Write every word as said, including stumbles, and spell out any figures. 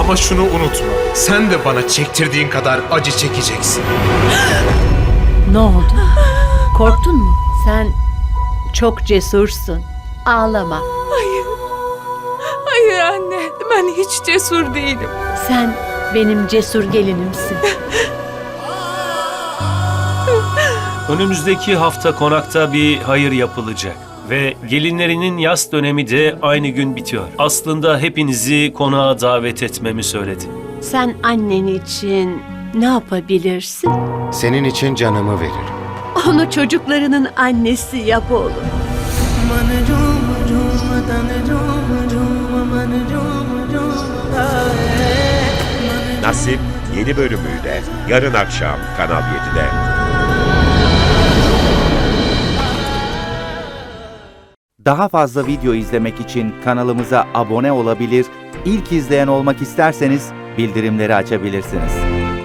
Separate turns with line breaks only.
Ama şunu unutma, sen de bana çektirdiğin kadar acı çekeceksin.
Ne oldu? Korktun mu? Sen çok cesursun. Ağlama.
Hayır. Hayır anne. Ben hiç cesur değilim.
Sen benim cesur gelinimsin.
Önümüzdeki hafta konakta bir hayır yapılacak. Ve gelinlerinin yas dönemi de aynı gün bitiyor. Aslında hepinizi konağa davet etmemi söyledi.
Sen annen için ne yapabilirsin?
Senin için canımı veririm.
Onu çocuklarının annesi yap oğlum.
Nasip yeni bölümüyle yarın akşam Kanal yedide.
Daha fazla video izlemek için kanalımıza abone olabilir, ilk izleyen olmak isterseniz bildirimleri açabilirsiniz.